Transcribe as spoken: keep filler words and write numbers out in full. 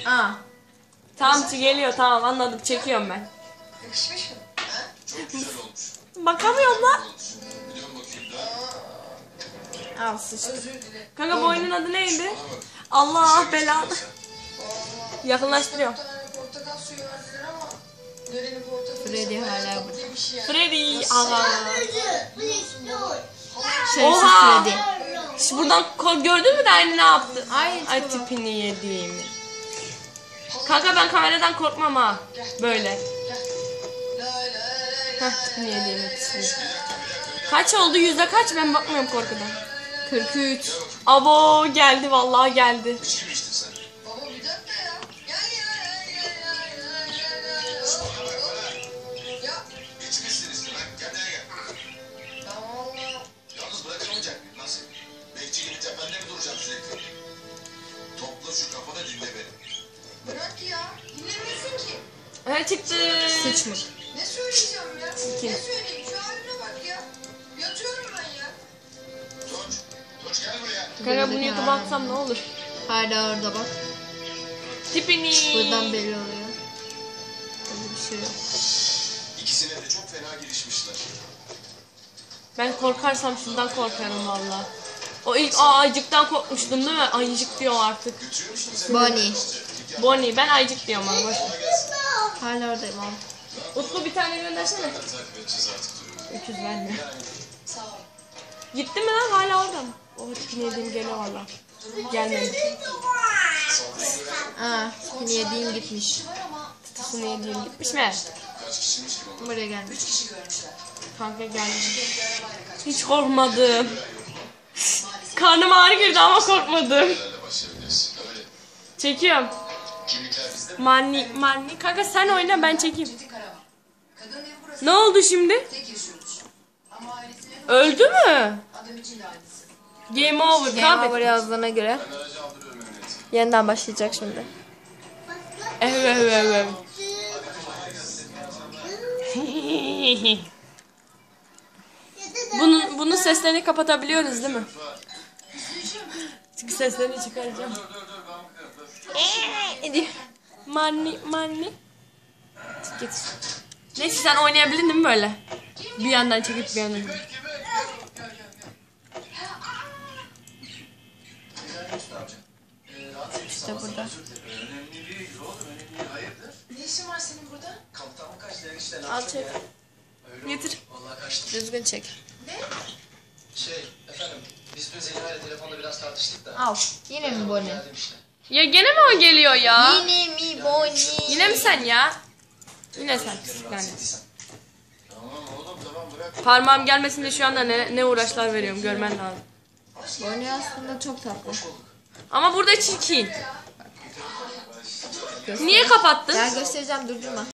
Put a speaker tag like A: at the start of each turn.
A: Aa.
B: Tamam geliyor, tamam anladım, çekiyorum ben.
C: Yakışmış mı? Ha? Çok güzel olmuş.
B: Bakamıyorum lan.
C: Biliyorum bakayım da.
A: Al sıçtı.
C: Özür dile.
B: Kanka bu oyunun adı neydi? Allah belanı.
C: Allah.
B: Yakınlaştırıyor.
C: Bir tane portakal suyu verdiler ama Derenin portakalı
A: Freddy
C: ise bayağı
A: hala
C: tatlı bir şey yani.
B: Freddy aga.
A: Şerefsiz
B: Oha.
A: Freddy.
B: Şu buradan ko- gördün mü de aynı ne yaptı?
A: Ay,
B: Ay
A: bak.
B: tipini yediğimi. Kanka ben kameradan korkmam ha. Böyle. Heh, tipini yediğimi pisliği. Kaç oldu? Yüzde kaç? Ben bakmıyorum korkudan.
A: kırk üç.
B: Abo geldi, vallahi geldi.
C: İçki mi içtin sen? Baba bir dakika ya. Gel ya ya ya ya ya ya. Ya.
D: İçmişsin işte lan. Kendine gel.
C: Ya Allah.
D: Yalnız bırakamayacak mıyım? Nasıl? Bekçi gibi tepende mi duracağım sürekli? Topla şu kafanı dinle beni.
C: Bırak ya. Dinlemiyorsun ki.
B: Ha çıktı.
A: Sıç mı?
C: Ne söyleyeceğim ya?
B: İki.
C: Ne söyleyeyim? Şu haline bak ya. Yatıyorum ben ya.
D: Tunç. Tunç gel buraya.
B: Kanka bunu YouTube'a atsam ne olur?
A: Hala orada bak.
B: Tipini.
A: Buradan belli oluyor. Öyle bir şey yok.
D: İkisine de çok fena girişmişler.
B: Ben korkarsam şundan korkarım valla. O ilk aa, ayıcıktan korkmuştum değil mi? Ayıcık diyor artık.
D: Götürüyormuşsun sen.
A: Bonnie.
B: Bonnie, ben ayıcık diyorum ona. Boş ver.
A: Hala oradayım abi.
B: Utku bir tane göndersene.
D: Takip edeceğiz artık durumu.
B: Öküz verme.
C: Sağ ol.
B: Gitti mi lan? Hala orada mı? O tipini yediğim geliyor valla. Gelmedi.
A: Aa, seni yediğim gitmiş.
C: Var ama
B: Tipini yediğim gitmiş mi?
D: Kaç kişiymiş ki baba?
A: Buraya gelmiş.
C: üç kişi görmüşler.
B: Kanka geldi.
C: Bir arabayla kaçmış.
B: Hiç korkmadım. Karnım ağrı girdi ama korkmadım.
D: Nelerle başlayabilirsin? Öyle.
B: Çekiyorum.
D: Kimlikler bizde mi?
B: Manni, manni. Kanka sen oyna, ben çekeyim.
C: Çetin Karaman. Kadının evi burası.
B: Ne oldu şimdi?
C: Tek yaşıyormuş. Ama ailesinin
B: Öldü mü?
C: adam için de ailesi.
B: Game over.
A: Game
B: Kaybettim.
A: over yazdığına göre
D: Ben aracı aldırıyorum emniyete.
A: yeniden başlayacak şimdi.
B: Evet evet evet. Bunun bunun seslerini kapatabiliyoruz değil mi? Çünkü seslerini çıkaracağım.
A: Hadi.
B: Manni manni. Git. Neyse sen oynayabildin değil mi böyle? Bir yandan çekip bir yandan.
A: İşte burada.
D: Önemli değil oğlum. Önemli değil. Hayırdır?
C: Ne işin var senin burada?
D: Kaptanlık kaçtı enişte.
B: Al çek. Getir.
D: Vallahi kaçtı.
A: Düzgün çek.
D: Şey efendim biz dün Zeliha ile telefonda biraz tartıştık da.
A: Al. Yine mi Bonnie?
D: Geldim işte.
B: Ya gene mi o geliyor ya?
A: Yine mi Bonnie?
B: Yine mi sen ya? Yine sen. Yani.
D: Tamam oğlum tamam bırak.
B: Parmağım gelmesin diye şu anda ne, ne uğraşlar veriyorum, görmen lazım.
A: Bonnie aslında çok tatlı.
B: Ama burada çirkin. Niye kapattın?
A: Gel göstereceğim, durdurma.